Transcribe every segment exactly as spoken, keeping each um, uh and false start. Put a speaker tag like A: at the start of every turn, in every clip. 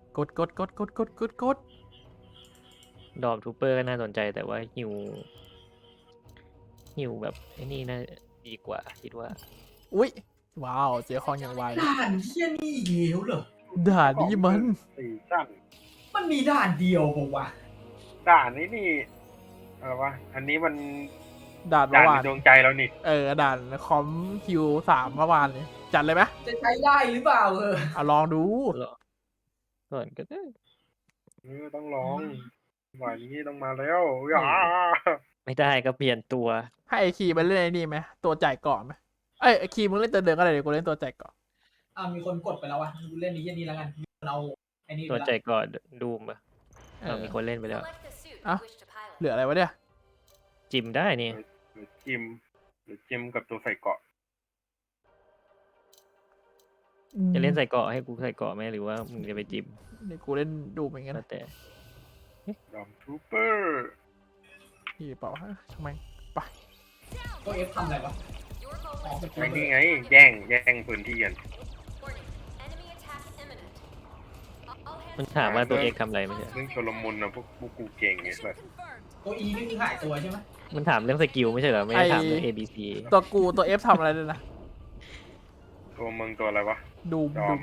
A: กดกดกดกดกดกดกด
B: ดอมทูเปอร์ก็น่าสนใจแต่ว่าฮิวฮิวแบบไอ้นี่น่าดีกว่าคิดว่า
A: อุ้ยว้าวเจอคองอย่างไว
C: ด่านเชี่ยนี่อีกแล้วเหรอ
A: ด่านนี้มัน
D: สีสั้น
C: มันมีด่านเดียวปะวะ
D: ด่านนี้นี่อะไรวะอันนี้มัน
A: ด่าน
D: ด่า
A: เมื่อวาน
D: นในดวงใจเรานี่
A: เออด่านคอมคิวสามเมื่อวานเลยจัดเลยไหม
C: จะใช้ได้หรือเปล่าเออ
A: เอาลองดู
B: ก่อนก็ได้
D: เออต้องลองวันนี้ต้องมาแล้วอย่า
B: ไม่ได้ก็เปลี่ยนตัว
A: ให้ไอคีมันเล่นไอ้นี่ไหมตัวจ่ายเกาะไหมเอ้ยไอคีมึงเล่นตัวเดินก็ได้เดี๋ยวกูเล่นตัวจ่ายเกาะ
C: อ่ามีคนกดไปแล้ววะกูเล่นนี้เช่นนี้แล้วกันมีคนเอาไอ้นี่ไป
B: ตัว
C: แล้ว
B: ใจก่อนดูมอะ
A: เอ
B: เรา
A: อ
B: มีคนเล่นไปแล้ว
A: อ่ะ เหลืออะไรวะเนี่ย
B: จิมได้นี่
D: หรือจิมหรือจิมกับตัวใส่เกาะ
B: จะเล่นใส่เกาะให้กูใส่เกาะไหมหรือว่ามึงจะไปจิม
A: เดี๋ยวกูเล่นดูเหมือนกัน
B: แล้ว
A: นะ
B: แต่
D: ดอมทูเปอร์
A: ที่เปล่าฮะทำไมไป
C: ตัวเอฟทำอะไรวะอ๋อเป็น
D: ไอ้นี่ไงแย่งแย่งพื้นที่กัน
B: มันถามว่าตัวเอกทำอะไรไม่ใช่
D: เรื่องชลมุนนะพวกพวกกูเก่งไงแบบ
C: ตัวอีนี่คือหายตัวใช่ไหม
B: มันถามเรื่องสกิลไม่ใช่เหรอไม่ได้ถามเรื่อง A B C
A: ตัวกูตัวเอฟทำอะไรด้วยนะ
D: ตัวมึงตัวอะไรวะ
A: ดูม
D: ยอ
A: ดู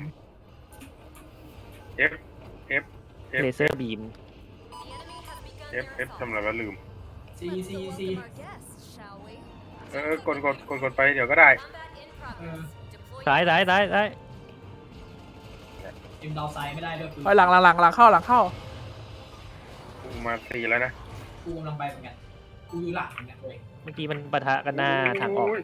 D: ม
A: ม
D: F F F
B: เลเซอร์บีม
D: F F ทำอะไรวะลืม
C: ซีซีซี
D: เออกดกดกดกดไปเดี๋ยวก็ได้
C: เออ
B: ซ้ายซ้ายซ้ายซ้าย
C: เอ็มดาวไซด์ไม่ได้ด้วยกู
A: ไปหลังหลังหลังหลังเข้าหลังเข้า
D: กูมาตีแล้วนะ
C: กูกำลังไปเหมือนกันกูอยู่หลังเหมือนกันเลย
B: เมื่อกี้มันปะทะกันหน้าทางออก
D: โย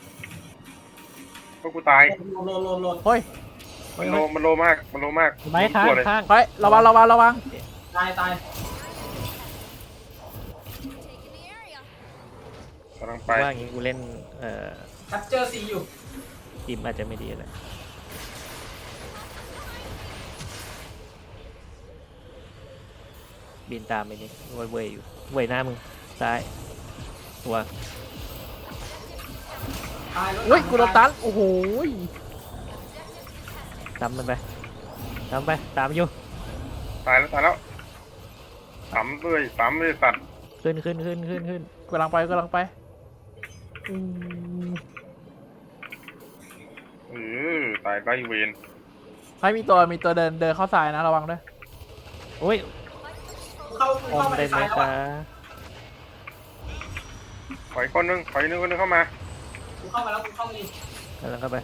D: พวกกูตาย
C: โหลดโหลดโหลด
A: เฮ้ย
D: มันโลมันโลมากมันโลมาก
B: ไม้ข้าง
D: ตัวเลย
B: ข้าง
A: เฮ้ยระวังระวังระวัง
C: ตายตาย
D: กำลังไป
B: ว่าอย่างงี้กูเล่นเอ่อ
C: แคปเจอร์ซีอยู่
B: จิมอาจจะไม่ดีเลยบินตามไปนี่เว้ยเว้ยอยู่เว้ยหน้ามึงซ้ายตัว
C: ตายรถ
A: เฮ้ยกูโดนตันโอ้โห
B: ตามมันไปตามไปตามอยู่
D: ตายแล้วตายแล้วสามเลยสามเลยสัตว์
B: ขึ้นขึ้นขึ้นขึ้นขึ้น
A: กำลังไปกำลังไปอืม
D: เออตายไรเวน
A: เฮ้ยมีตัวมีตัวเดินเดินเข้าซ้ายนะระวังด้วย
B: โอ้ย
C: กูเข้ากู
B: อม
C: เข้ามาใน
B: ได้ไหม
C: ซ้ายแล้ว
B: คะ
C: อะ
D: ขออีกคนนึงขออีกนึงคนนึงเข้ามา
C: กูเข้ามาแล้วกูเข้ามาดิ
B: กำลังเข้าไป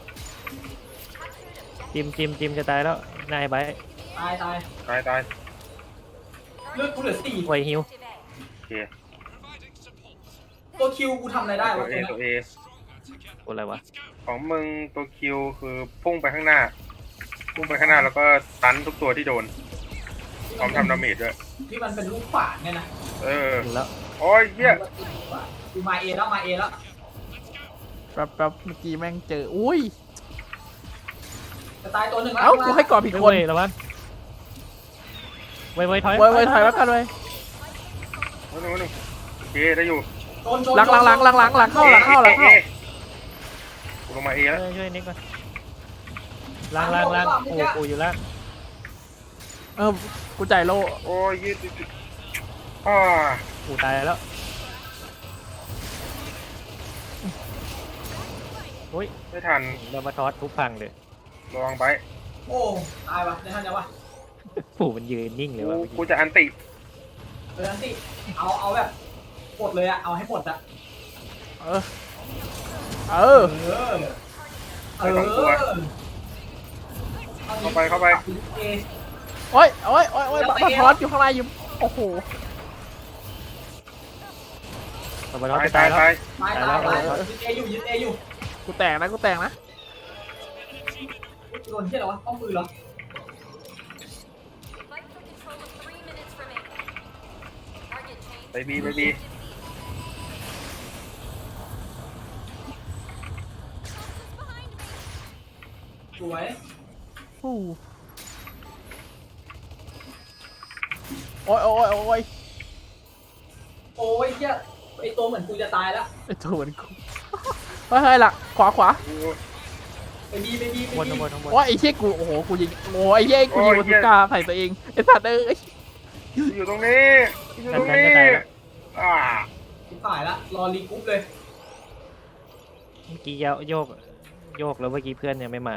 B: จิมจิมจิมจะตายแล้วนายไป
C: ตายตาย
D: ตายตาย
C: เลือดกูเหลือสี่
B: ไวฮิว
D: โอเค
C: ตัวคิวกูทำอะไรได้
D: ตัว
C: วะ
D: เอ
C: ตัว
D: ตัว
C: เนี้ย
D: เอ
B: ตัวอะไรวะ
D: ของมึงตัวคิวคือพุ่งไปข้างหน้า พุ่งไปข้างหน้าแล้วก็ตันทุกตัวที่โดนพร้อมทำดาเมจด้วย
C: ที่มันเป็นลูกขวานเนี่ยนะ
D: เออ
B: ถึงแล้ว
D: โอ้ยเหี้ย
C: กูมาเอแล้วมาเอแล้ว
A: แป๊บแป๊บเมื่อกี้แม่งเจออุ้ย
C: จะตายตัวหนึ่งแล้ว
A: เอ้ากูให้ก่อนผิดคน
B: เว้ยระวังไวไวถอย
A: ไว้ไว้ถอยแล้วกันไว้
D: วันนึงวันนึงโอเคได้อยู่
C: โดนโดน
A: หลังหลังหลังหลังหลังหลังเข้าหลังเข้าหลังเข้า
D: อ๊ะกูลงมาเอแล้ว
B: ช่วยช่วยนิกก่อนล่างล่างล่างโอ้กูอยู่ล่าง
A: เออกูจ่ายโล
D: โอ้ยยืดยืดยืดอ่า
B: กูตายแล้วโอ้ย
D: ไม่ทัน
B: เรามาทอสทุบพังเลย
D: ระวังไป
C: โอ้ตายวะได้ทันยังวะ
B: ปู่มันยืนนิ่งเลย
D: กู
B: ว่ะ
D: กูจะอันติ
C: เออนั่นสิเอาเอาแบบหมดเลยอะเอาให้หมดอะ
A: เออเออ
C: เออเออ
D: เข้าไปเข้าไป
C: เอ
A: โอ้ยโอ้ยโอ้ยโอ้ยบัตรทอสอยู่ข้างในอยู่โอ้โห
B: เรามาทอส
D: ตาย
B: จะตา
D: ตาย ย
B: แล้ว
D: ตาย
C: ตายตายตายยึดเออยู่ยึดเออยู่
A: กูแตกนะกูแตกนะ
C: โดนที่อะไรวะป้อมปืนเหรอ
D: ไปบีไปบี
C: สวย
A: ฟู่โอ้ยโอ้ยโอ้ย
C: โอ้ยเหี้ยไอตัวเหมือนกูจะตายแล้ว
A: ไอ้ตัวเหมือนกูเฮ้ยเฮ้ยหลักขวาขวา
D: กู
C: บีไปบีไป
B: บน
C: บี
B: ข้างบนข้างบน
A: โอ้ยไอ้เชี่ยกูโอ้โหกูยิงโอ้ยไอ้เชี่ยกูยิงบาซูก้าใส่ตัวเองไอ้สัตว์เอ้ย
D: อยู่ตรงนี้อยู่ตรงนี้อ่า
C: ชิบหายละรอรีกรุ๊ปเลย
B: เมื่อกี้โยกโยกแล้วเมื่อกี้เพื่อนยังไม่มา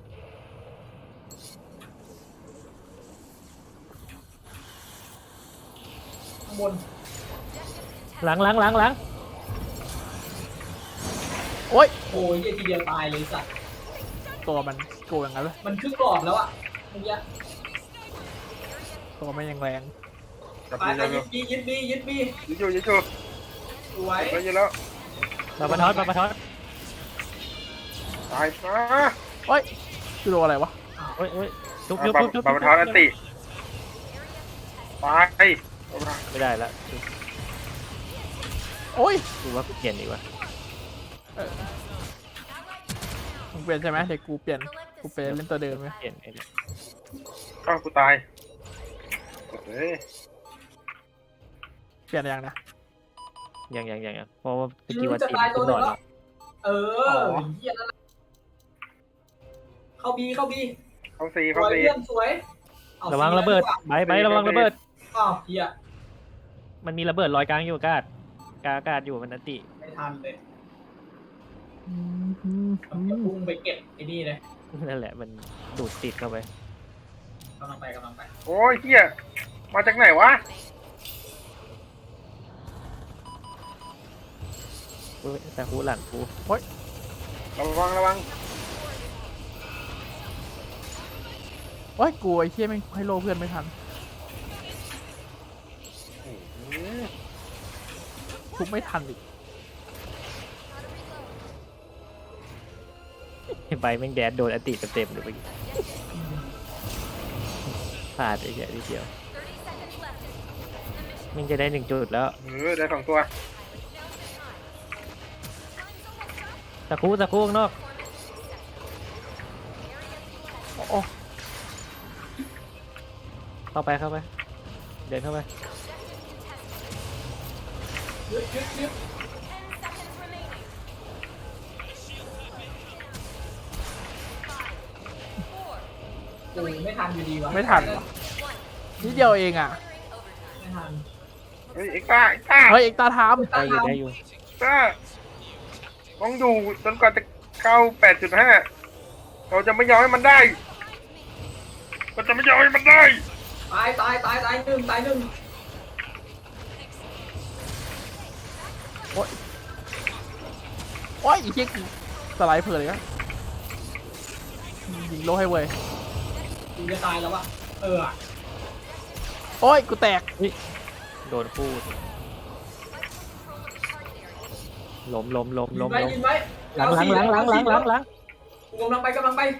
C: ข้างบน
B: หลังหลังหลังหลัง
A: โอ้ย
C: โอ้ยเหี้ยทีเดียวตายเลยสัตว์
A: ตัวมันโกงอย่างนั้นเลย
C: มันครึ่งหลอดแล้วอ่ะเมื่อกี้
A: ตัวมันยังแรง
D: จับ
C: ไป
D: มือ
C: ไป
D: จับ
C: ยึดบียึดบียึดบี
D: ยึดอยู่ยึดอยู่
C: สวย
D: ไปยึดแล้ว
B: ปาปะทอดปาปะทอด
D: ตายมา
A: โอ้ยคือโดนอะไรวะ
B: โอ้ยโอ้ยทุบ
D: ป
B: ทุบ
D: า
B: ทุบทุบ
D: ปาปะทอนอันติตายปาปะทอน
B: ไม่ได้ละ
A: โอ้ย
B: กูว่ากูเปลี่ยนดีกว่า
A: มึงเปลี่ยนใช่ไหมเด็กกูเปลี่ยนกูเปลี่ยนเล่นตัวเดิมไหม
B: เปลี่ยนไอ้เนี่ย
D: อ้าวกูตายเฮ้ย
A: เปลี่ยนยังนะ
B: ยังยังยังยังเพราะว่าเมื่อกี้
C: ยื
B: ว่า
C: จะ
B: ตี
C: ตายตัว
B: ขึ้น
C: ห
B: หล
C: นึ่
B: อง ด
C: แล้วเออเหี้ยนั่นแหละเข้าบีเข้าบี
D: เข้าซี
C: ส
D: เข้า
C: วย
D: ซี
C: เพื่อนสวยเอา
B: ระวังระเบิดใบใบระวังระเบิด
C: อ้าวเหี้ย
B: มันมีระเบิดลอยกลางอยู่อากาศกลางอากาศอยู่มันอันติ
C: ไม่ทันเลย
A: อืมอืม
C: ต้
A: อื
C: อง
A: ม
C: พุ่งไปเก็บไอ้นี่เลย
B: นั่นแหละมันดูดติดเข้าไป
C: กำลังไปกำลังไป
D: โอ้ยเฮียมาจากไหนวะ
B: เว้ยแต่หูหลังกู
D: ระวังระวัง
A: โอ้ยกูไอ้เชี่ยไม่งให้โลเพื่อนไม่ทันทุบไม่ทันอีก
B: ใบแม่งแดดโดนอันติเต็มๆเลยเมื่อกี้พลาดไอ้เหี้ยนิดเดียวมันจะได้หนึ่งจุดแล้ว
D: เออได้สองตัว
B: ตะคุตะคุข้างนอก
A: โอ้โอ้
B: เข้าไปเข้าไปเดินเข้าไป
C: ยึดยึดยึดโอ้ยไม่ทันอยู่ดีวะ
A: ไม่ทันวะนิดเดียวเองอ่ะ
C: ไม่ทัน
D: เฮ้ยเอ็กซ์ต้าเอ็กซ์ต้า
A: เฮ้ยเอกตาทาม
B: ได้อยู่ได้อยู่
D: เอ็กซ์ต้าต้องอยู่จนกว่าจะเข้าแปดจุดห้าเราจะไม่ยอมให้มันได้เราจะไม่ยอมให้มันได้
C: ตายตายตายตายหนึ่งตายหนึ่ง
A: โอ้ยไอ้เชี่ยกูสไลด์เพลินเลยนะยิงโลให้เว้ย
C: กูจะตายแล้ววะเออ
A: โอ้ยกูแตก
B: โดนคู่ล้มล้มล้ม
C: ยิ
B: ล้
C: น
B: ม
C: ไว้
B: ล้ม
C: ยินไว้
B: หลังหลังหลังหลังหลังหลังหลัง
C: กูกำลังไปกำลังไป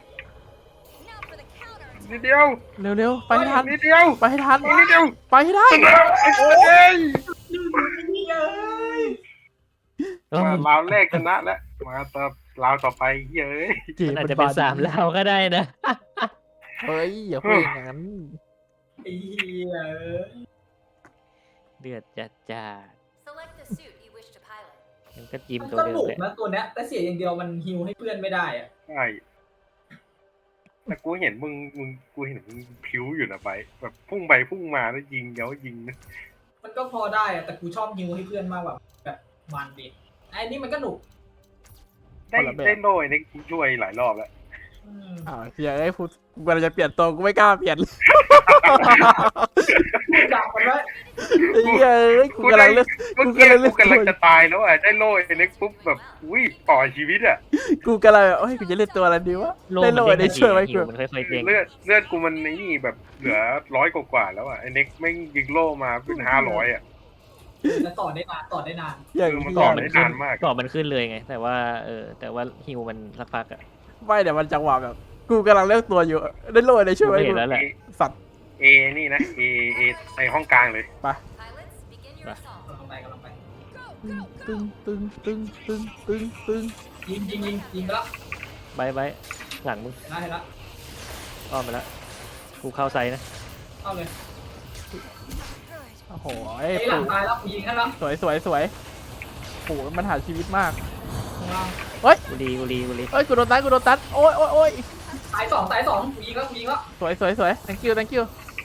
D: นิดเดียว
A: เร็วๆไปให้ทัน
D: นิดเดียว
A: ไปให้ทัน
D: นิดเดียว
A: ไปให้ได้
D: ชนะโอ้ย
C: นี่เอ้ย
B: เออ
D: มาราวแรกชนะแล้วมาต่อราวต่อไปเย้ย
B: มันอาจจะเป็นสามลาวก็ได้นะ
A: เฮ้ยอย่าพูดอย่างนั้น
C: ไอ้เหี้ยเอ้ย
B: เดือดจัดจ้า
E: Select the suit you wish to pilot.
B: มันก็จิ้ม
C: มัน
B: ตัว
C: ก็
B: เดิม
C: บุก
B: แหละ
C: นะตัวเนี้ยแต่เสียอย่างเดียวมันฮิวให้เพื่อนไม่ได้อะ
D: ใช่แต่กูเห็นมึงมึงกูเห็นมึงผิวอยู่นะไปแบบพุ่งไปพุ่งมาแล้วยิงเดี๋ยวยิงนะ
C: มันก็พอได้อะแต่กูชอบฮิวให้เพื่อนมากกว่าแบบมันดิไอ้นี่มันก็หนุก
D: ได้ได้โล่ไอ้นี่ช่วยหลายรอบแล้ว
C: อืม
A: อ้าวอย่าให้พูดกูกำลังจะเปลี่ยนตัวกูไม่กล้าเปลี่ยนเลย
C: กูดักมันไว้
A: ไอ้เหี้ยเอ้ยกูกำลังเลือก
D: เมื่อ
A: กู
D: กี้
A: กำลังเลื
D: กู
A: อก
D: กำลังจะตายแล้วอ่ะได้โล่ไอ้เล็กปุ๊บแบบอุ้ยต่อชีวิตอ่ะ
A: กูกำลังแบบเฮ้ยกูจะเล่นตัวอะไรดีวะ
B: โล
A: ได้
B: มัน
A: โล
B: เด้ง
A: ได้ช่วยไว้
B: หิ
A: กู
B: วมันค่อยๆเด้ง
D: เลือดเลือดกูมันนี่แบบเหลือร้อยกว่าๆแล้วอ่ะไอ้เน็กแม่งยิงโล่มาเป็นห้าร้อยอ่ะ
C: แล้วต่อได้นานต่อได้นาน
A: อย่าง
D: คือมัน
A: ที่
D: ต่อ
A: อยาก
D: ได้นานมาก
B: ก่อนมันขึ้นเลยไง แต่ว่าเออแต่ว่าฮิวมันสักพักอะ
A: ไม่เดี๋ยวมันจังหวะแบบ กูกำลังเลือกตัวอยู่ได้โลได้ช่วยไว้
B: เห็
A: กู
B: นแล้วแหละ
A: สัตว์
D: เอนี่นะเอเอในห้องกลางเลย
E: Pilots, begin your
B: Right.
E: assault.
C: กำลังไปกำลังไป
A: ตึงตึงตึงตึงตึงตึง
C: ยิงยิงยิงยิงไปแล้ว
B: ใบใบหลังมึง
C: เห็นแล้วเห็นแล้ว
B: อ้อมไปแล้วกูเข้าไซส์นะ
C: เข้าเลย
A: โอ้โห
C: ไอ้หลังตายแล้วกูยิงให้แล้ว
A: สวยสวยสวยโอ้โหมันหาชีวิตมาก
B: อ
C: ล่าง
B: กูรีกูรีกูรี
A: เอ้ยกูโดนตันกูโดนตันโอ้ยโอ้ยโอ้ย
C: ตายสองตายสองกูยิงแล้วกูยิงแล้ว
A: สวยสวยสวย thank you thank you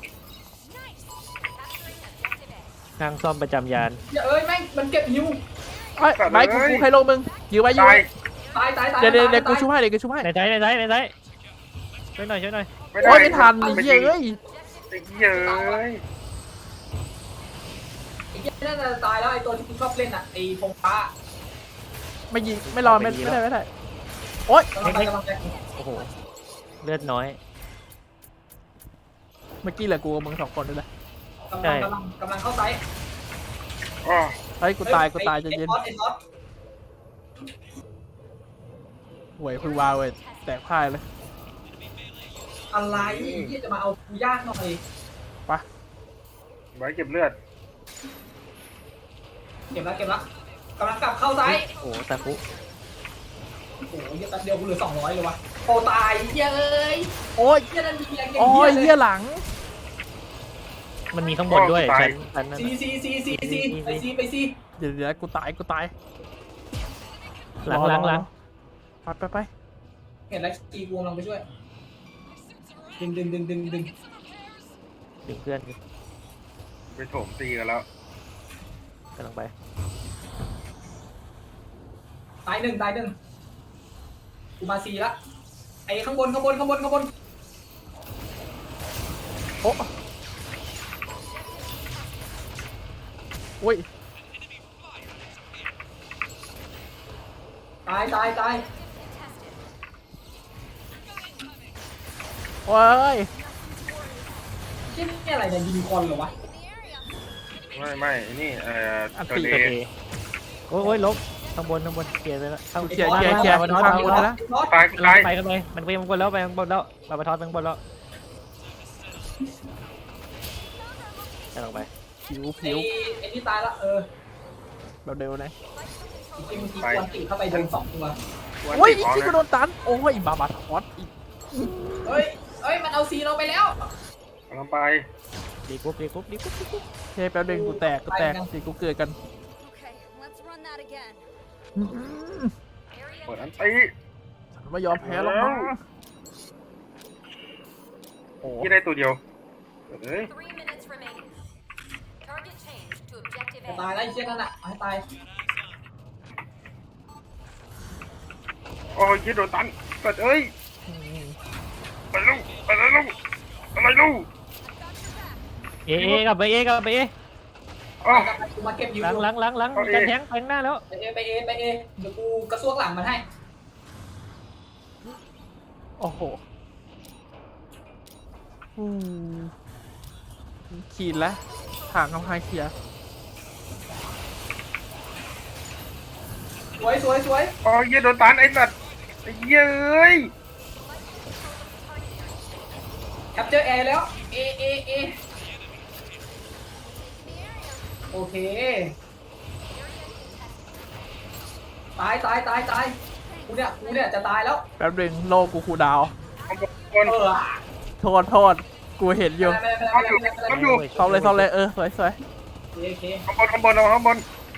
B: ข้างซ่อมประจำยาน
C: อย่าเอ้ยแม่งมันเก็บฮิว
A: เอ้ยไม้กูกูใครลงมึงยื้อไว้ยื้อ
D: ตาย
A: ไว้
C: ตายตายตาย
A: เดี๋ยวเดี๋ยวเดี๋ยว
C: ตา
A: กูช่วยให้เดี๋ยวกูช่วยให้
B: ในไซส์ในไซส์ในไซส์ช่วยหน่อยช่วยหน่อย
D: ไม่ได้
A: โอ้ยไม่ทันไอ้เหี้ยเอ้ย
D: ไอ้เหี้ยเอ้ย
C: ไอ้เหี้ยน่าจะตายแล้วไอ้ตัวที่กูชอบเล่นอ่ะไอ้พงฟ้า
A: ไม่ยิงไม่รอไม่ไม่ได้ไม่ได้โอ้ย
C: กำลังไปกำลังไป
B: โอ้โหเลือดน้อย
A: เมื่อกี้เหลือกูกับมึงสองคนด้วยแหละ
C: กำ
B: ใช่
C: ลังกำลังกำลังเข้าไซส์
D: อ๋อ
A: เฮ้ยกูตายกูตายใจะเย็น
C: ไอ้ซอสไอ้ซอส
A: หวยพึ่งวาวเว้ยแตกพ่ายเลย
C: อะไรที่จะมาเอากูยากหน่อย
D: ไว้เก็บเลือด
C: เก็บแล้วเก็บแล้วกำลังกลับเข้าไซส์
B: โอ้โหตะคุ
C: โอ้โหเหี้ยแป๊บเดียวกูเหลือสองร้อยเลยวะโอ้ตายเหี้ยเอ้ย
A: โอ้ย
C: เหี้ยนั่นมีแรงเก่ง
A: โอ้ย
C: เหี้
A: เหี้
C: ย
A: ยหลัง
B: มันมีข้างบนด้วยชั้นชั้นนั่น
C: ซี
B: น่ะ
C: ซีซีซีซีไปซีไปซี
A: เดี๋ยวเดี๋ยวกูตายกูตาย
B: หลังหลังหลัง
A: ไปไปไป
C: เห็นแล้วจีกูกำลังไปช่วยดึงดึงดึงดึงดึง
B: ดึงเพื่อน
D: ไปโถมตีกันแล้ว
B: กำลังไป
C: ตายหนึ่งตายหนึ่งกูมาซีละไอ้ข้างบนข้างบนข้างบนข้างบน
A: โอ้โอ้ย
C: ตายตายตาย
A: โอ้ย
C: ที่นี่อะไรเนี่ยยิงคอนเหรอวะ
D: ไม่ไม่ไอ้นี่เอ่อ
B: อัน
D: ตัว
B: ตี
D: เด
B: ตัว
D: ย์
B: เอโอ้ยโอ้ยลบข้างบนข้างบนเคลียร์ไปแล้วข้าง
A: เคลียร์เคลียร์เคลียร์
B: มาทอด
A: ข้าง
B: มา
A: บ
B: ท
A: น
B: อด
A: นะ
D: ตายตาย
B: ไปกันเลยมันไปข้างบนแล้วไปข้างบนแล้วมาประทอดไปข้างบนแล้วกำลังไป
A: ผิว
C: ไอ้
A: ผิว
C: ไอ้นี่ตายละเออ
A: แบบเร็วนะ
C: จริงๆเมื่อกี้ควนตีเข้าไปโดนสองตัว
A: โอ้ยอีกที่กูโดนตันโอ้ยบาบาทอสอีก
C: เฮ้ยเฮ้ยมันเอาซีเราไปแล้ว
D: กำลังไป
B: ดีกรุ๊ปดีกรุ๊ปดีกรุ๊ปดีกรุ๊ป
A: เฮ้ยแป๊บเดียวกูแตกกูแตกสิกูเกิดกัน
E: Okay, let's run that again.
A: อื้อ
D: เปิด
E: Area
D: อันตี
A: ฉันไม่ยอมแพ้หรอกนะโอ้
D: ที่ได้ตัวเดียวเฮ้ย
E: three minutes remaining. Target change to objective
C: จะ
E: A.
C: ตายแล้วไอ้เชี่ยนั่นอ่ะเอาให้ตาย
D: โอ้ยยี่โดนตันเปิดเอ้ยไปลูกไปแล้วลูกอะไรลูก
B: เอเอกลับไปเอกลับไปเอ
D: อ๋อ
C: กูมาเก็บยู
B: หลังหลังหลังหลัง
D: เอา A
B: การแทงไปข้างหน้าแล้ว
C: ไปเอไปเอไปเอเดี๋ยวกูกระซวกหลังมันให้
A: โอ้โหอืมขีดแล้วห่างกำแพงเคลียร์
C: สวยสวยสวย
D: โอ้ยยี่โดนตันไอ้สัตว์ไอ้เหี้ยเอ้ย
C: แคปเจอร์แอร์แล้วเอเอเอโอเคตายตายตายตายกูเนี่ยกูเนี่ยจะตายแล้ว
A: แป๊บนึงโลกกูคูลดาวน์
D: ข้างบน
C: เออ
A: โทษโทษกูเห็นอยู่
C: ไม่เป็นไรไม่เป็นไรไม่เป็นไร
D: ข้างอยู่
A: ซ่อมเลยซ่อมเลยเออสวยสวย
C: โอเค
D: ข้างบนข้างบนเอาข้างบน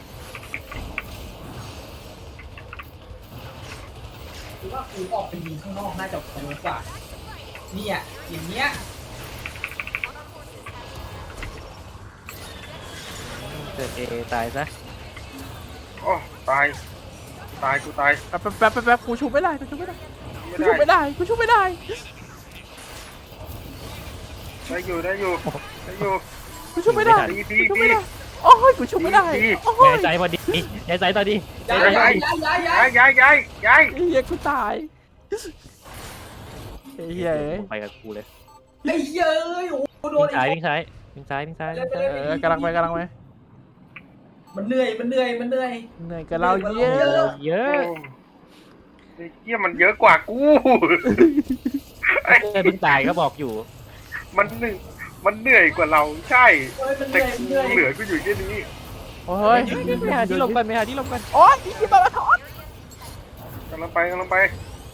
C: คือว่ากูออกไปยิงข้างนอกน่าจะโหดกว่าเนี่ยอย่างเงี้ย
B: เกิดเอตายซะ
D: โอ้ตายตายกูตาย
A: แป๊บแป๊บแป๊บแป๊บแป๊บกูชูไม่ได้กูชูไม่ได้
D: ไม่
A: กูชูไม่
D: ได้
A: ได้กูชูไม่ได้
D: ได้อยู่ได้อยู่ได้อยู่
A: กูชูไม่ได้
D: ดีดี
A: กูชู
D: ดี
A: ไม่ได้โอ้ยกูชูไม่ได้
D: ดี
A: โอ้
B: ยาย ยใจพอดียายใจตอนดีใจ
C: ย้าย
B: ใจพอ
C: ย้าย
B: ดี
C: ย้ายย้ายย้าย
D: ย้ายย้ายย้ายย้าย
A: เฮียกูตายเฮียเอ้ย
B: ไปกับกูเลย
C: ไอ้เหี้ยเอ้ยโอ้โหโด
B: วิ่
C: น
B: งซ้าย
C: ไอ้
B: วิ่งซ้ายวิ่งซ้ายวิ่งซ้ายวิ่งซ้าย
A: เออกำลังไปกำลังไป
C: มันเหนื่อยมันเหนื่อยมันเหนื่อย
A: เหนื่อยกับเราเยอะ
B: เย
D: โอ้
B: อะ
D: ไอ้เหี้ยมันเยอะกว่ากูไอ้
B: เพื่อนเพิ่งตายก็บอกอยู่
D: มันเหนื่อยมันเหนื่อยกว่าเราใช่
C: เอ้ยมันเห
D: แต่
C: นื่อยมันเหนื่อย
D: กูเหลือกูอยู่แค่นี้
A: โอ้ย
B: ไปหาที่หลบกันไปหาที่หลบกัน
A: โอ้ยอีบาบาทอส
D: กำลังไปกำลังไป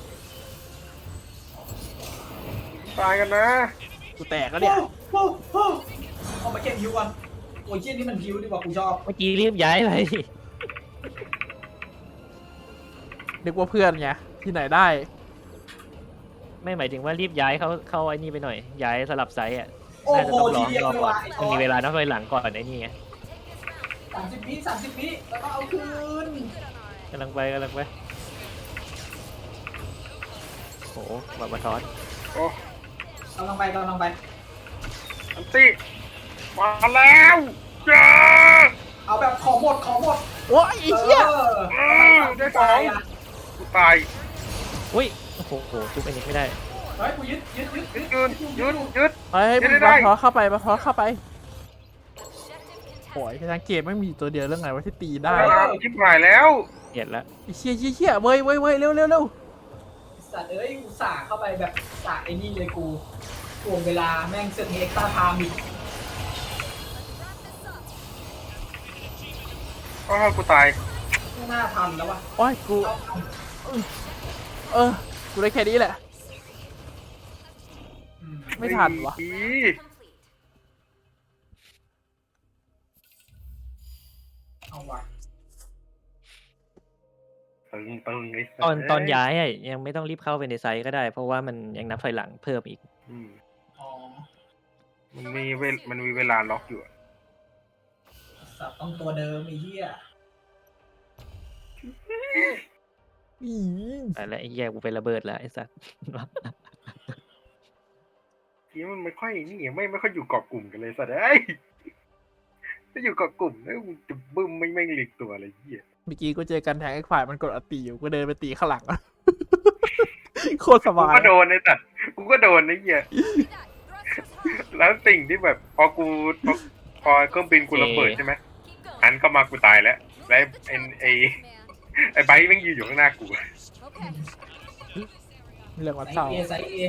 D: ตายกันนะ
A: กูแตกแล้วเนี่ย
C: โอ้โหเอามาเก็บฮิวก่อนโอ้ยเชี่ยนี่มันฮิวดีกว่ากูชอบ
B: เมื่อกี้รีบย้ายไป
A: นึกว่าเพื่อนไงที่ไหนได้
B: ไม่หมายถึงว่ารีบย้ายเขาเข้าไอ้นี่ไปหน่อย ย้ายสลับไซส์อ่ะ
C: โอ้
B: น่าจะ
C: โห
B: ต้องร
C: ที
B: อ
C: เดียว
B: รอ
C: เลย
B: ก่อน
C: ว่ะไอ้ต
B: มัน
C: อ
B: มี
C: น
B: เวลานับถอยหลังก่อนไอ้นี่ไง
C: สามสิบวิสามสิบวิแล้วก็เอาคืน
B: กำลังไปกำลังไปโหบาบาทอส
D: โอ้
C: กำลังไปกำลังไป
D: อันตี้มาแล้วจ้า
C: เอาแบบของหมดของหมด
A: โอ้ยไอ้เหี้ย
C: เออ
D: เออได้สองกูตาย
B: อุ้ยโอ้โหโหทุบไอ้นี่ไม่ได้
C: เฮ้ยกูยึดยึดยึด
D: ยึดยืนยืดยืด
A: เฮ้ย
D: ไม่
A: มัน
D: ได้
A: บาทอเข้าไปบาทอเข้าไปโอ้ยทางเกมไม่มีตัวเดียวเรื่องไงว่าที่ตีได้
D: ชิบหายแล้ว
B: เห็นแล้ว
A: ไอ้เชี่ยเชี่ยเชี่ยเว้ยเว้ยเว้ยเร็วเร็วเร็ว
C: สัตว์เอ้ยกูสาเข้าไปแบบสาไอ้นี่เลยกูทวงเวลาแม่งเสือกเอ็กซ์ตร้าไทม์อีก
D: อ้าวกูตาย
C: ไม่น่าทันแล้ววะ
A: โอ้ยกู
C: เอาเอา
A: เออกูได้แค่นี้แหละ
C: อืม
A: ไม่ทันวะ
D: อี
C: เอาวะ
D: ตึงตึงไอ้สั
B: ตอน
D: ส
B: ตอนย้ายอะยังไม่ต้องรีบเข้าไปในไซส์ก็ได้ เพราะว่ามันยังนับถอยหลังเพิ่มอีก
D: อืม
C: อ๋อ
D: มันมีเวลมันมีเวลาล็อกอยู่อะ
C: สัตว์ต้องตัวเดิมไอ้เหี้ย
A: อี
B: แต่แล้วไอ้แย่กูไประเบิดแล้วไอ้สัส
D: ทีมันไม่ค่อยนี่ไม่ไม่ค่อยอยู่เกาะกลุ่มกันเลยสัตว์เอ้ยถ้าอยู่เกาะกลุ่มแล้วมึงจะบึ้มไม่แม่งหลีกตัวอะไรเหี้ย
A: เมื่อกี้กูเจอกันแทงไอ้ฝ่ายมันกดอัตตีอยู่กูเดินไปตีข้างหลัง โคตรส
D: กู
A: บาย
D: ก็โดนไอ้สัตว์กูก็โดนไอ้เหี้ยแล้วสิ่งที่แบบพอกูพอพอเครื่องบินกูระเบิดใช่ไหม อันก็มากูตายแล้วแล้วไอ้ไอ้ไอ้ไบค์แม่งยืนอยู่ข้างหน้ากู
E: Okay.
A: เรื่องวัด
C: ไซ
A: เศร้า
C: เอไซเอ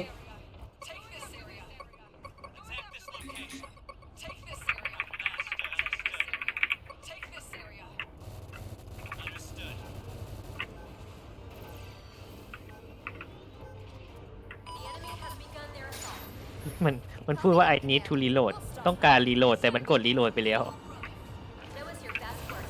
B: มันมันพูดว่า I need to reload ต้องการรีโหลดแต่มันกดรีโหลดไปแล้ว
E: That was your best work.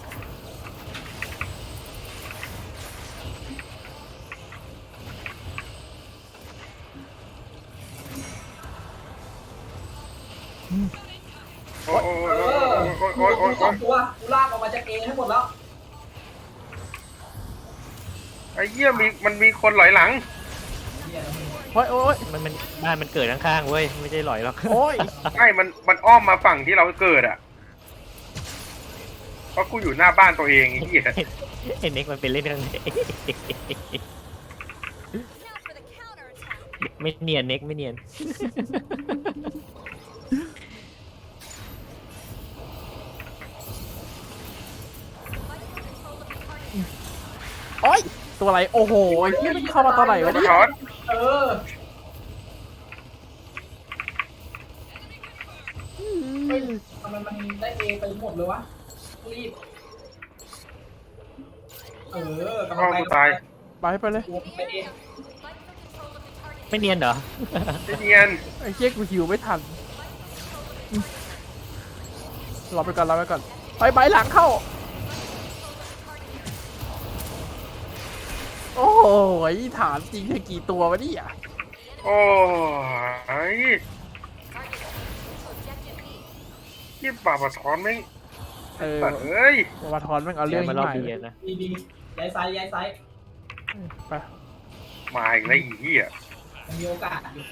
D: โอ้ยโอ้ย
C: เออ
D: โอ้ย
C: กู
D: โอ้ยโอ้ย
C: กูสองตัวกูลากออกมาจากเอให้หมดแล้ว
D: ไอ้เหี้ยมีมันมีคนหลอยหลัง
C: เหี้ยแล้วมึง
A: โอ้ยโอ้ย
B: มันมันบ้านมันเกิดข้างๆเว้ยไม่ใช่หลอยหรอก
A: โอ้ย
D: ใช่มันมันอ้อมมาฝั่งที่เราเกิดอ่ะเพราะกูอยู่หน้าบ้านตัวเองไอ้เหี้ย
B: เอ็นเอ็กมันเป็นเล่นข้างใน
E: Now for the counterattack.
B: ไม่เนียนเน็กไม่เนียน
A: โอ้ยตัวอะไรโอ้โหไอ้เหี้ยมันเข้ามาตอนไหนวะเนี่ย
D: ช็อต
C: เออเฮ้ยทำไมมันได้เอไปหมดเลยวะรีบเออกำลั
D: อ้าง ว
C: ไป
D: กูตาย
A: ไปไปเลย
C: กูไปเอ
B: ไม่เนียนเหรอ
D: ไอ้เนียน
A: ไอ้เหี้ยกูหิวไม่ทันรอไปก่อนรอไปก่อนไปใบหลังเข้าโอ้ยถามจริงแค่กี่ตัววะเนี่ย
D: โอ้ยยี่บาปะทอนแม่ง
A: เออ
D: สัตว์เอ้ย
A: มาทอนแม่งเอา
B: เรื่
A: เรื่
B: อ
A: อง ง
B: มา
A: นี้
B: รอบ
A: ใหม่
B: ดีนะ
C: ดีดีย้ายซ้ายย้ายซ้าย
A: ไป
D: มาอีกแล้วไอีเหี้ย
C: มันมีโอกาสอยู่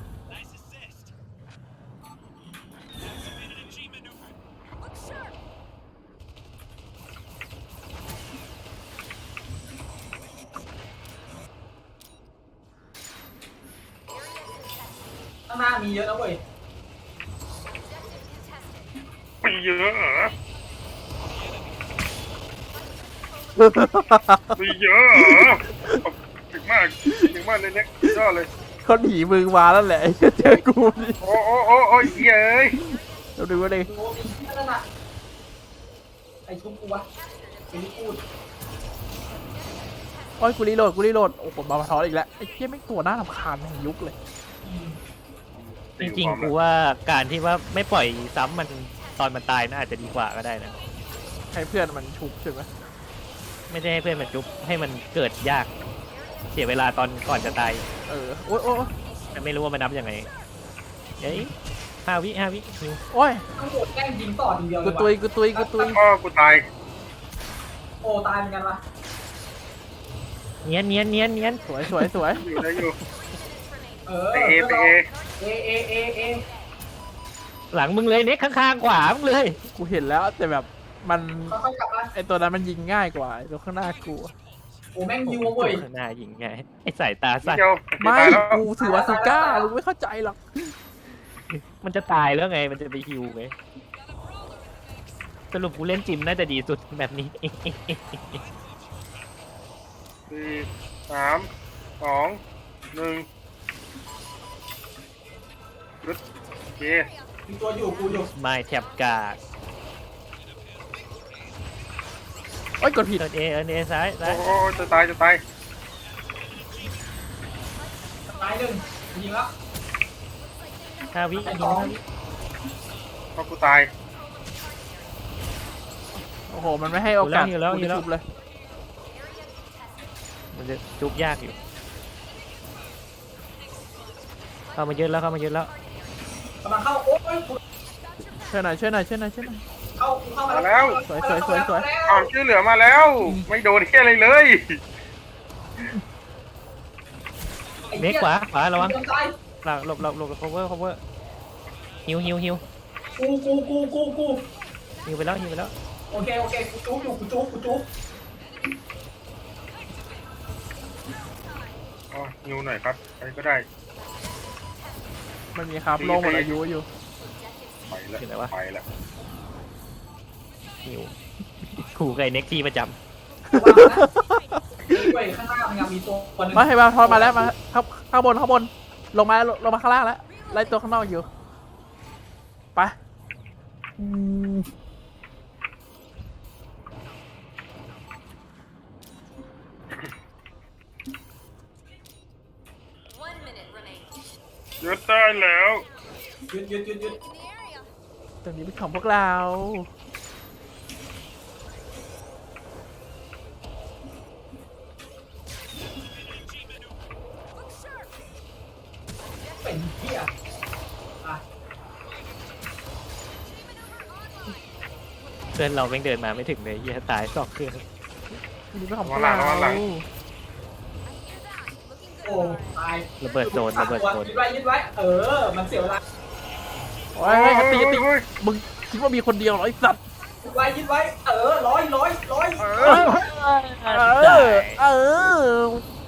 C: ข้างหน้ามีเยอะนะเว้ย
D: ไปเยอะเหรอไปเยอะเหรอขอบถึงมากถึงมากเลยเนี่ยยอดเลย
A: เขาหนีมึงมาแล้วแหละไอ้เหี้ยเจอกูนี่
D: โอ้โอ้โอ้โอ้ยเหี้ยเอ้ย
A: เราดูว่าเลย
C: ดูมีที่นั่นน่ะไอชุบกูวะไอ้นี่พูด
A: โอ้ยกูรีโหลดกูรีโหลดโอ้โหมาทอนอีกแล้วไอ้เหี้ยแม่งตัวหน้ารำคาญแห่งยุคเลย
B: จริงๆกูว่าการที่ว่าไม่ปล่อยซ้ำมันตอนมันตายน่าอาจจะดีกว่าก็ได้นะ
A: ให้เพื่อนมันชุบใช่ไหม
B: ไม่ได้ให้เพื่อนมันจุ๊บให้มันเกิดยาก เสียเวลาตอนก่อนจะตาย
A: เออโอ้ยโอ้ย
B: แต่ไม่รู้ว่ามันนับยังไงเฮ้ยห้าวิห้าวิหิว
A: โอ้ย
C: ต้องโดดแกล้งยิงต่อทีเดียวเล
A: กู
C: ย
A: ตุย
C: ว่ะ
A: กูตุยกูตุย
D: พ่อกูตาย
C: โอ้ตายเหมือนกันวะ
B: เนียนเนียนเนียนเนียน
A: สวยสวยสวย
D: อยู่ได้อยู่
C: เออ
D: ไปเอไปเอ
C: เอเอเอเอ
B: หลังมึงเลยเน็กข้างๆขวามึงเลย
A: กูเห็นแล้วแต่แบบมัน
C: ค่อยๆกลับมา
A: ไอตัวนั้นมันยิงง่ายกว่าไอ้ตัวข้างหน้ากูอะ
C: โอ้แม่งยิวเว้ย
B: ข้างหน้ายิงไงไอ้สายตา
D: นิด
B: สั้น
D: เดียว
A: ไม่
D: ตายแล้ว
A: กูถือว่าซูก้ามึงไม่เข้าใจหรอก
B: มันจะตายแล้วไงมันจะไปฮิวไงสรุปกูเล่นจิมน่าจะดีสุดแบบนี้
D: สี่สามสองหนึ่งยุดโอเค
C: มีตัวอยู่กูอยู่
B: ไม่แถบกาก
A: โอ้ยกดผิด
B: เอินเอเอินเอซ้ายซ้าย
D: โอ้โหจะตายจะตาย
C: ตายหนึ่งยิงแล้ว
B: ห้าวิ
C: ตาย
B: ยิ
C: ส
B: ง
C: อง
B: ห้าวิ
D: พ่อกูตาย
A: โอ้โหมันไม่ให้โอกาสกูได้ชุบเลย
B: มันจะจุกยากอยู่ เข้ามาเยอะแล้วเข้ามาเยอะแล้ว
C: กำลังเข้าโอ้ย
A: ช่วยหน่อยช่วยหน่อยช่วยหน่อยช่วยหน่อย
C: เข้าเข้ามา
D: มาแล้ว
A: สวยสวยสวยสวย
D: ความช่วยเหลือมาแล้ว ไม่โดนแค่อะไรเลย
B: เน็กขวาขวาระวัง
C: ตาย
B: หลังหลบหลบหลบ cover cover ฮิวฮิวฮิว
C: กูกูกูกูกู
B: ฮิวไปแล้วฮิวไปแล้ว
C: โอเคโอเคกูจุ๊บอยู่กูจุ๊บกูจุ๊บ
D: อ๋อนิวหน่อยครับอะไรก็ได้
A: มันมีครับโลงหมดอายุอยู่
D: ไปแล้ว
B: อยู่ไหนวะ
D: ไปแล้ว
B: ฮิวขู่ไก่เน็กที่ประจ
C: วางนะด้วยข้างหน้ามันยังมีตัวตัวหนึง
A: มาให้มาทอนมาแล้วมาข้างข้างบนข้างบนลงมาลงมาข้างล่างแล้วไล่ตัวข้างนอกอยู่ไปอืม
E: One minute remaining.
D: ยุดได้แล้ว
C: หยุดหยุดหยุดหยุด
E: In the area.
A: ตรงนี้เป็นของพวกเรา
C: เป็นเหี้ยอ่ะ
B: ำเพื่อนเราแม่งเดินมาไม่ถึงเลยเฮียตายสองเครื่อง
A: ตรงนี้เป็นของพวกเรา
C: โอ้ตาย
B: ระเบิดโซนระเบิดโซน
C: ยึดไว้ยึดไว้เออมันเสียเวลา
A: โอ้ยเฮ้ยตีตีมึงคิดว่ามีคนเดียวเหรอไอ้สัตว์
C: ยึดไว้ยึดไว้เออร้อยร้อยร้อย
A: เออเออเออ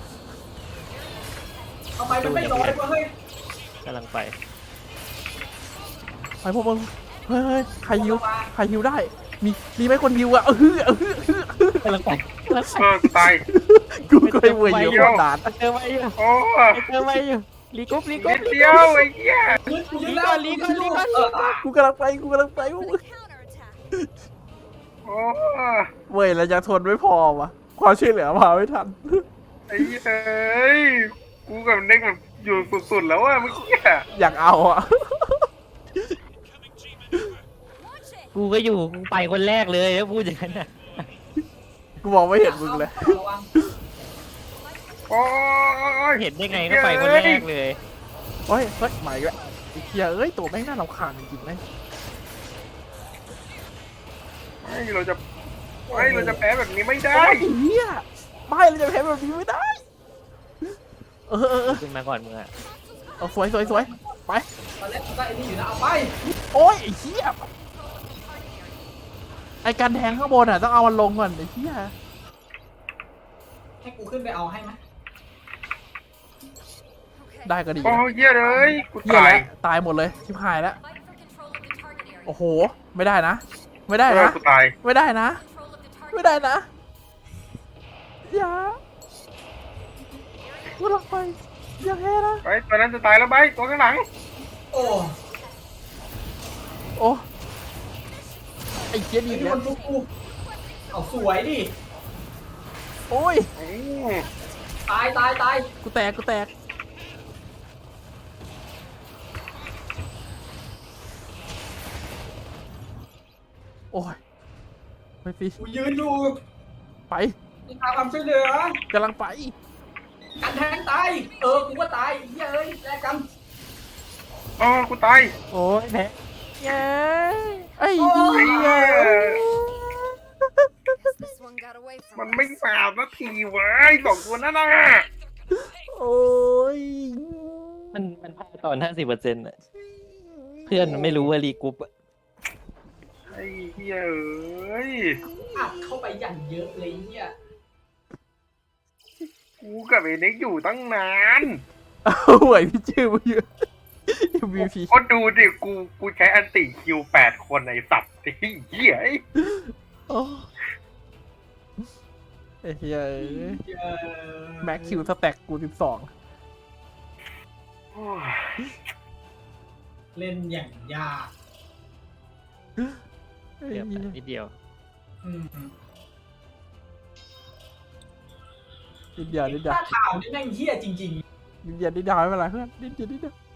C: ทำไมมันไม่ร้อยวะเฮ้ย
B: กำลังไป
A: ไปพวกมึงเฮ้ยเฮ้ยใครฮิวใครฮิวได้ มีมีไหมคนฮิวอะเออเออเออเออก
B: ำลังไปกำลังไป
D: เออกูตาย
A: กูก็เลยเวรอยู่คนนาน
B: เจอไว้อยู่
D: โอ้
B: เจอไว้อยู่ลีกุ๊บลีกุ๊
D: นิ
B: บ
D: ดเดียวไอ้เหี้ย
C: ยึดกูยึดแล้ว
B: ลีก่อนลีก่อนลีก่อน
C: เอออ่ะ
A: กูกำลังไปกูกำลังไปพวกมึง
E: Counterattack.
D: โอ้
A: เว้ยเราจะทนไม่พอวะความช่วยเหลือมาไม่ทัน
D: ไอ้เหี้ยเอ้ยกูกับเน็กแบบอยู่สุดๆแล้วอะเมื่อกี้อะ
A: อยากเอาอะ
E: Watch it.
B: กูก็อยู่กูไปคนแรกเลยแล้วพูดอย่างนั้นน่ะ
A: กูมองไม่เห็นมึงเลย
C: ระวัง
D: โอ้ย
B: เห็นได้ไงก็ไปคนแรกเลย
A: เฮ้ยเฮ้ยใหม่ละไอ้เหี้ยเอ้ยตัวแม่งน่ารำคาญจริงๆนะ
D: ไม่เราจะไม่เราจะแพ้แบบนี้ไม่ได้
A: ไอ้เหี้ยไม่เราจะแพ้แบบนี้ไม่ได้ เออเออเออ
B: ขึ้นมาก่อนมึงอะ
A: เอาสวยสวยสวยไป
C: ตอนแรกกูได้ไอ้นี่อยู่นะเอาไป
A: โอ้ยไอ้เหี้ยไอ้การแทงข้างบนอ่ะต้องเอามันลงก่อนไอ้เหี้ย
C: ให้กูขึ้นไปเอาให้ไหม
E: Okay.
A: ได้ก็ดี
D: โอ้
A: นะ
D: เหี้ยเลยกู
A: เหี้ย
D: ตาย
A: แล้วตายหมดเลยชิบหายแล้ว
E: Fight for control of the target area.
A: โอ้โหไม่ได้นะ ไม่ได้
D: เออ
A: นะ
D: กูตาย
A: ไม่ได้นะ
E: Control of the target.
A: ไม่ได้นะอย่ากูรักไปอย่าแพ้นะ
D: ไปตัวนั้นจะตายแล้วไปตัวข้างหลัง
C: โอ้
A: โอ้ไอ้เหี้ยดี
C: ไอ้
A: อีก
C: นี่
A: แล้
C: มั
A: วน
C: ทุกกูเอาสวยดิ
A: โอ้ย
D: โอ้
C: ตายตายตาย
A: กูแตกกูแตกโอ้ยไปสิ
C: กูยืนอยู่
A: ไป
C: มีทางความช่วยเหลือก
A: ำลังไป
C: กันแทงตายเออกูก็ตายเหี้ยเอ้ยแลกกัน
D: อ๋อกูตาย
B: โอ้ยแพ้
A: เย้ไอ้
C: โอ้
A: เหี้
C: ย
A: ย
E: Guess this one got away
D: มัน
E: from
D: ไม่
E: us.
D: สามนาทีเว้ยสองตัวนั่นน่ะ
A: โอ้ย
B: มันมันพลาดตอนห้าสิบเปอร์เซ็นต์อะเพื่อนมันไม่รู้ว่ารีกรุ๊ปอะ
D: ไอ้เหี้ยเอ้ย
C: อัดเข้าไปอย่างเยอะเลยเหี้ย
D: กูกับไอ้เน็กอยู่ตั้งนาน
A: เอาไหวพี่ชื่อมาเยอะ เอ็ม วี พี
D: ก็ดูดิกูกูใช้อันติคิวแปดคนไอ้สัตว์ไอ้เหี้ยไอ้
A: โอ้ไอ้เหี้ยเอ้ย
C: เหี้ย
A: แม็กคิวสแต็กกูสิบสอง
D: โอ้ย
C: เล่นอย่างยาก
A: ไอ้
B: เกือบ
A: เหี้ย
B: นิดเดียว
C: อืม
A: นิดเดียวนิดเดียว
C: ถ้าข่าวนี่แม่งเหี้ยจริง
A: นิดเดียวนิดเดียวไม่เป็นไรเพื่อนนิดเดียวนิดเดียว